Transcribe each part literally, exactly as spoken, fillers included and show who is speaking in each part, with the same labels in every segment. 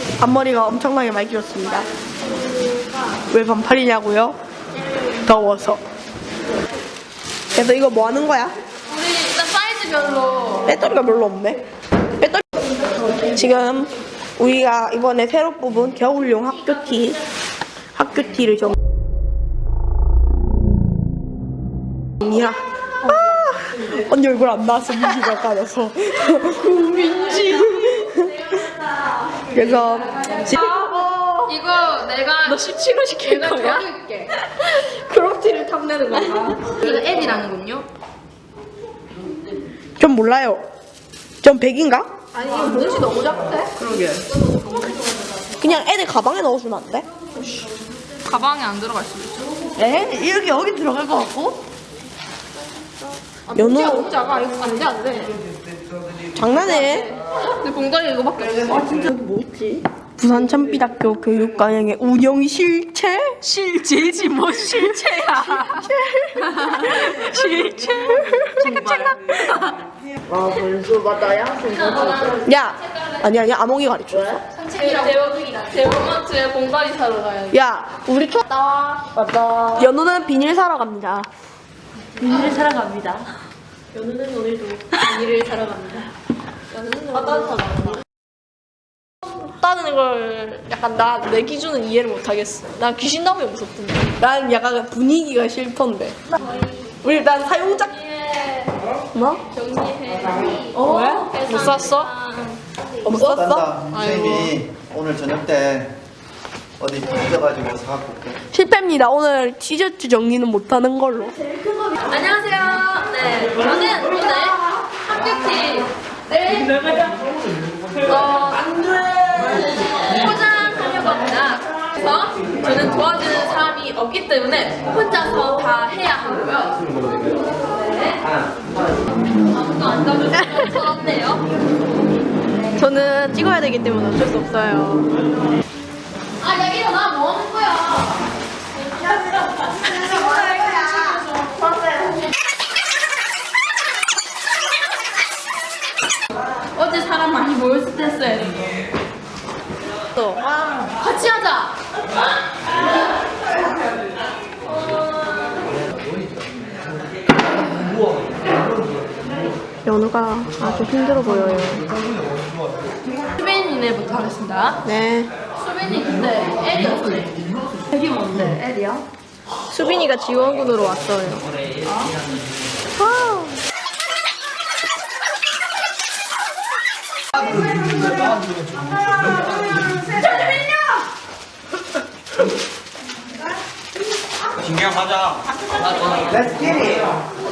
Speaker 1: 앞머리가 엄청나게 많이 길었습니다. 왜 반팔이냐고요? 더워서. 그래서 이거 뭐 하는 거야?
Speaker 2: 우리 일단 사이즈별로
Speaker 1: 배터리가 별로 없네. 배터리. 지금 우리가 이번에 새로 뽑은 겨울용 학교티 학교티를 좀 이야. 아, 언니 얼굴 안 나왔어. 민지가 까져서. 민지. 그래서 지금
Speaker 2: 이거 내가
Speaker 1: 너 십칠 호 시킬
Speaker 2: 내가
Speaker 1: 거야?
Speaker 2: 적을게.
Speaker 1: 크롭티를 탐내는 거야.
Speaker 2: 이거 L이라는군요.
Speaker 1: 전 몰라요. 전 백인가?
Speaker 2: 아니 이거 뭉치 너무 작대?
Speaker 1: 그러게. 그냥 애들 가방에 넣어주면 안 돼?
Speaker 2: 가방에 안 들어갈 수도 있죠.
Speaker 1: 에? 이렇게 여기 들어갈 것 같고?
Speaker 2: 아,
Speaker 1: 연우.
Speaker 2: 뭉치가 너무 작아. 이거 안돼 안돼.
Speaker 1: 장난해.
Speaker 2: 근데 봉다리 이거밖에 없어.
Speaker 1: 아 진짜 여기 뭐 있지? 부산 참비대학교 교육과정의 운영 실체?
Speaker 2: 실제지 뭐 실체야.
Speaker 1: 실체?
Speaker 2: 체크체크.
Speaker 3: 아 벌써 맞다야?
Speaker 1: 야! 아니 아니 아몽이 가르쳐줬어.
Speaker 2: 대원이다. 대원마트에 봉다리 사러 가야 돼.
Speaker 1: 야! 우리 초
Speaker 2: 나와.
Speaker 3: 맞다.
Speaker 1: 연우는 비닐 사러 갑니다.
Speaker 3: 비닐을 사러 갑니다.
Speaker 2: 연우는 오늘도 비닐을 사러 갑니다. 연우는
Speaker 3: 어떤 사러
Speaker 2: 없다는 걸 약간 나 내 기준은 이해를 못 하겠어. 난 귀신 나오면 무섭던데.
Speaker 1: 난 약간 분위기가 싫던데. 우리 일단 사용자 뭐?
Speaker 2: 정리해.
Speaker 1: 어?
Speaker 2: 왜? 못 샀어?
Speaker 1: 못 썼어?
Speaker 4: 딴다. 선생님이 오늘 저녁 때 어디 빚어가지고 사갖고 올게.
Speaker 1: 실패입니다. 오늘 티셔츠 정리는 못하는 걸로.
Speaker 2: 안녕하세요. 네, 저는 오늘 학교티를 어, 포장하려고 합니다. 그래서 저는 도와주는 사람이 없기 때문에 혼자서 다 해야 하고요. 네. 아무도 안 가져주면 서럽네요.
Speaker 1: 저는 찍어야 되기 때문에 어쩔 수 없어요.
Speaker 2: 아, 야, 일어나. 뭐 하는 거야? 어제 사람 많이 모였을 때 써야 돼.
Speaker 1: 또
Speaker 2: 같이 하자.
Speaker 1: 연우가 아주 힘들어 보여요.
Speaker 2: 수빈이네부터 하겠습니다.
Speaker 1: 네.
Speaker 2: 수빈이 근데 L이 없네. L이 뭔데? L이야?
Speaker 1: 수빈이가 지원군으로 왔어요. 아.
Speaker 4: 신경 가자. Let's get it.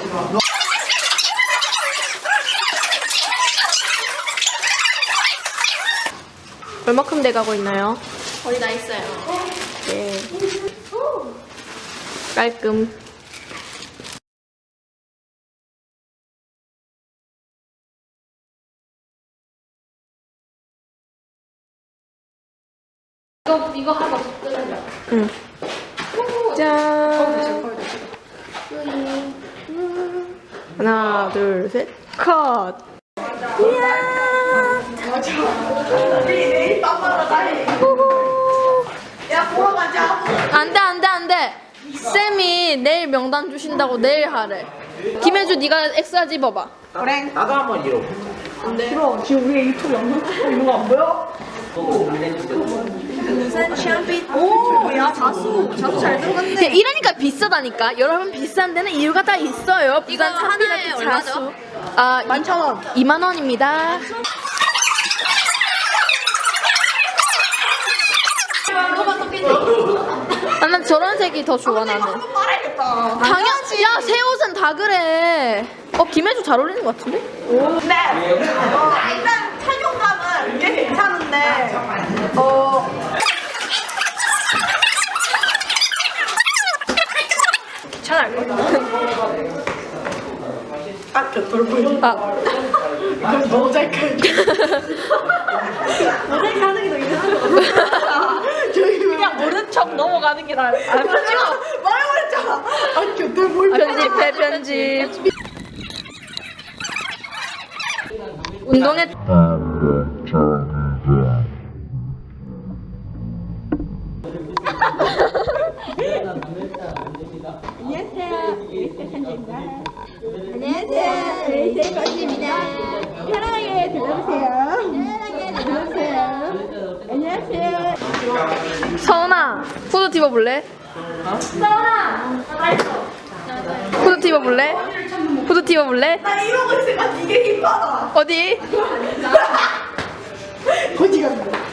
Speaker 1: 얼마큼 돼가고 있나요?
Speaker 2: 거의 다 있어요.
Speaker 1: 네. 깔끔.
Speaker 2: 이거 이거 하고 뜯어줘.
Speaker 1: 응. 짠. 하나, 둘, 셋. 컷. 이야.
Speaker 3: 야 보러 가자.
Speaker 2: 안돼 안돼 안돼. 쌤이 내일 명단 주신다고 내일 하래. 김혜주 네가 엑스라 집어봐.
Speaker 3: 그래.
Speaker 4: 나도 한번 이러.
Speaker 3: 싫어. 지금 우리 유튜브 영상 찍고 있는 거 안 보여? 오, 야 자수, 자수 잘 들어갔네.
Speaker 2: 야, 이러니까 비싸다니까. 여러분 비싼 데는 이유가 다 있어요. 부산
Speaker 3: 하나에
Speaker 2: 참비라트
Speaker 3: 얼마죠?
Speaker 2: 자수. 아
Speaker 1: 만천 원.
Speaker 2: 이만 원입니다. 아, 난 저런 색이 더 좋아 나는.
Speaker 3: 빨아야겠다.
Speaker 2: 당연. 야, 새 옷은 다 그래. 어, 김혜주 잘 어울리는 것 같은데?
Speaker 3: 근데 어, 일단 착용감은 꽤 괜찮은데 어
Speaker 1: 괜찮을 것 같아. 아, 곁돌 보여.
Speaker 2: 아,
Speaker 1: 그럼 모자이크. 모자이크 하는 게 더 이상한 것 같아. 저기 그냥 모른 척 넘어가는 게 나아요. 아, 편집아. 말해버렸잖아. 아, 곁돌 보여.
Speaker 2: 편집해, 편집. 운동회
Speaker 5: 안녕하세요. 레이셀 거지입니다. 편안하게 들어보세요. 편안하게 들어보세요. 안녕하세요.
Speaker 2: 서은아, 후드 입어볼래? 서은아! 후드 입어볼래? 후드 입어볼래?
Speaker 1: 나 이러고 있으니까 되게 힘받아.
Speaker 2: 어디?
Speaker 1: 거지 같네.